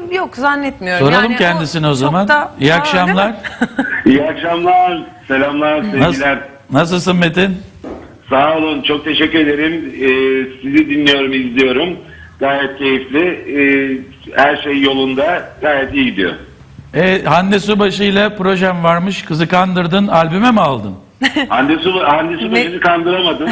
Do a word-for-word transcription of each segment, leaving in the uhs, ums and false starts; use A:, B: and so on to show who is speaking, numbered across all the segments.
A: yok zannetmiyorum.
B: Soralım
A: yani
B: kendisine o
A: çok
B: zaman.
A: da-
B: İyi
A: Aa,
B: akşamlar.
C: İyi akşamlar, selamlar, sevgiler.
B: Nasıl, nasılsın Metin?
C: Sağ olun, çok teşekkür ederim. Ee, sizi dinliyorum, izliyorum. Gayet keyifli. Ee, her şey yolunda, gayet iyi gidiyor.
B: E, Hande Subaşı ile projem varmış. Kızı kandırdın. Albüme mi aldın?
C: Hande Su, Hande Subaşı'nı kandıramadım.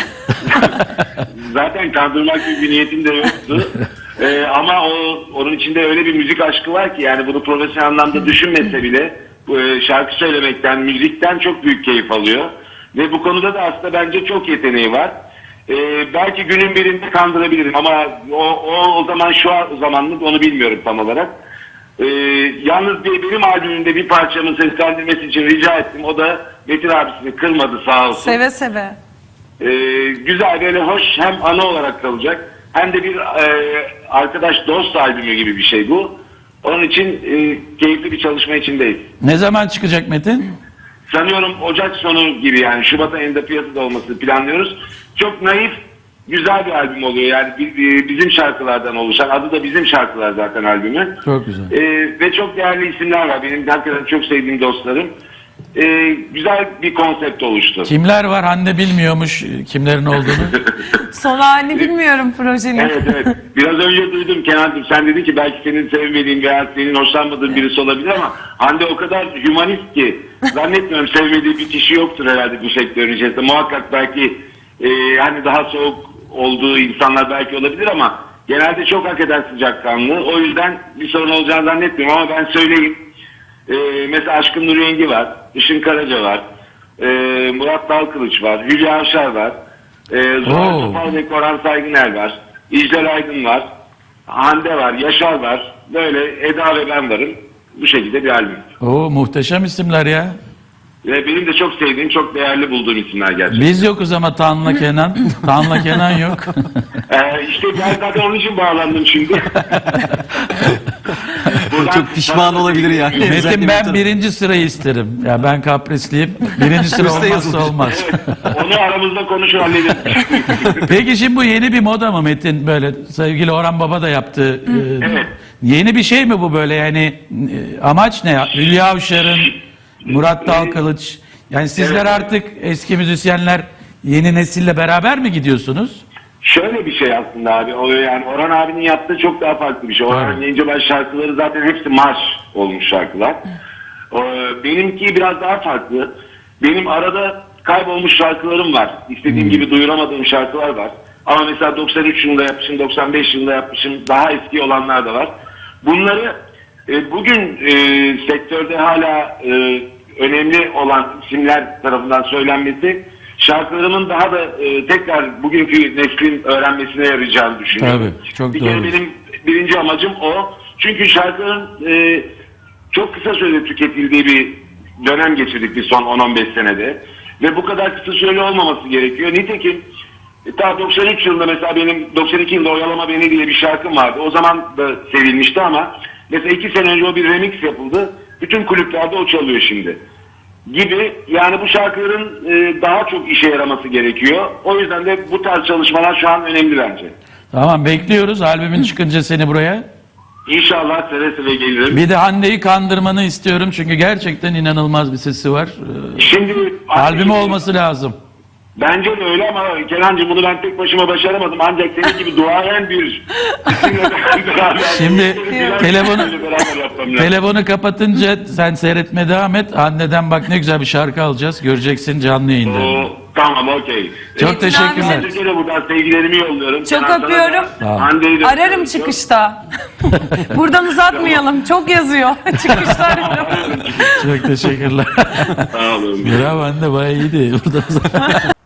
C: Zaten kandırmak gibi bir niyetim de yoktu. Ee, ama o, onun içinde öyle bir müzik aşkı var ki, yani bunu profesyonel anlamda düşünmese bile e, şarkı söylemekten, müzikten çok büyük keyif alıyor. Ve bu konuda da aslında bence çok yeteneği var. Ee, belki günün birinde kandırabilirim ama o, o, o zaman şu an, o zamanlık onu bilmiyorum tam olarak. Ee, yalnız bir, benim albümümde bir parçamın seslendirmesi için rica ettim. O da Metin abisini kırmadı sağ olsun.
A: Seve seve.
C: Ee, güzel, böyle hoş, hem ana olarak kalacak hem de bir e, arkadaş dost albümü gibi bir şey bu. Onun için e, keyifli bir çalışma içindeyiz.
B: Ne zaman çıkacak Metin?
C: Sanıyorum Ocak sonu gibi, yani Şubat ayında piyasada olmasını planlıyoruz. Çok naif, güzel bir albüm oluyor. Yani bizim şarkılardan oluşan, adı da Bizim Şarkılar zaten albümü.
B: Çok güzel.
C: Ee, ve çok değerli isimler var. Benim hakikaten çok sevdiğim dostlarım. Ee, güzel bir konsept oluştu.
B: Kimler var? Hande bilmiyormuş kimlerin olduğunu.
A: Son halini bilmiyorum projenin.
C: Evet evet. Biraz önce duydum Kenan'cığım, sen dedin ki belki senin sevmediğin veya senin hoşlanmadığın birisi olabilir ama Hande o kadar hümanist ki zannetmiyorum sevmediği bir kişi yoktur herhalde bu sektörün içerisinde. Muhakkak belki e, hani daha soğuk olduğu insanlar belki olabilir ama genelde çok hakikaten sıcakkanlı. O yüzden bir sorun olacağını zannetmiyorum ama ben söyleyeyim. E, mesela Aşkın Nur Yengi var, Işın Karaca var, e, Murat Dalkılıç var, Hülya Avşar var. Ee, Zuhal
B: Oo.
C: Topal ve Koran Saygıner var. İclal Aydın var. Hande var. Yaşar var. Böyle Eda ve ben varım. Bu şekilde bir albüm.
B: Oo, muhteşem isimler ya.
C: Ve benim de çok sevdiğim, çok değerli bulduğum isimler gerçekten.
B: Biz yokuz ama Tanla Kenan. Tanla Kenan yok.
C: Ee, işte ben zaten onun için bağlandım şimdi. Buradan
D: Çok pişman olabilir yani.
B: Metin, ben birinci sırayı isterim. Ya ben kaprisliyim. Birinci sıra
D: Üste
B: olmazsa
D: yazılır.
B: olmaz.
C: Evet, onu aramızda konuşur hallederiz.
B: Peki şimdi bu yeni bir moda mı Metin? Böyle sevgili Orhan Baba da yaptı. Ee,
C: Evet.
B: Yeni bir şey mi bu böyle, yani e, amaç ne? Hülya Avşar'ın, Murat Dalkılıç. Yani sizler
C: Evet.
B: artık eski müzisyenler yeni nesille beraber mi gidiyorsunuz?
C: Şöyle bir şey aslında abi. O yani Orhan abinin yaptığı çok daha farklı bir şey. Orhan
B: Evet.
C: Gencebay şarkıları zaten hepsi marş olmuş şarkılar. O, benimki biraz daha farklı. Benim arada kaybolmuş şarkılarım var. İstediğim
B: Hmm.
C: gibi duyuramadığım şarkılar var. Ama mesela doksan üç yılında yapmışım, doksan beş yılında yapmışım. Daha eski olanlar da var. Bunları e, bugün e, sektörde hala e, önemli olan isimler tarafından söylenmesi şarkılarımın daha da e, tekrar bugünkü neslin öğrenmesine yarayacağını düşünüyorum.
B: Tabii, çok
C: bir
B: doğru.
C: kere benim birinci amacım o. Çünkü şarkıların e, çok kısa sürede tüketildiği bir dönem geçirdik biz son on on beş senede. Ve bu kadar kısa süreli olmaması gerekiyor. Nitekim e, ta doksan üç yılında mesela benim doksan iki yılında Oyalama Beni diye bir şarkım vardı. O zaman da sevilmişti ama mesela iki sene önce o bir remix yapıldı. Bütün kulüplerde o çalıyor şimdi. Gibi, yani bu şarkıların e, daha çok işe yaraması gerekiyor. O yüzden de bu tarz çalışmalar şu an önemli bence.
B: Tamam, bekliyoruz albümün çıkınca seni buraya.
C: İnşallah seve seve gelirim.
B: Bir de Hande'yi kandırmanı istiyorum çünkü gerçekten inanılmaz bir sesi var. Ee,
C: Şimdi
B: albümü olması lazım.
C: bence de öyle ama Kenancığım bunu ben tek başıma başaramadım. Ancak senin gibi duayen bir isimle beraber-
B: Şimdi
C: Biraz
B: telefonu
C: beraber yapmam lazım.
B: telefonu kapatınca sen seyretmeye devam et. Hande'den bak ne güzel bir şarkı alacağız. Göreceksin canlı yayında.
C: Oo, tamam, okey.
B: Çok
A: Metin
B: teşekkürler.
C: Ben de buradan sevgilerimi yolluyorum.
A: Çok
C: Kenan, sana da,
A: öpüyorum.
B: Tamam.
C: Hande'yi de
A: Ararım
C: öpüyorum.
A: çıkışta. Buradan uzatmayalım. Çok yazıyor. Çıkışta ararım.
B: Çok teşekkürler.
C: Sağ olun.
B: Bravo Hande, bayağı iyiydi. Burada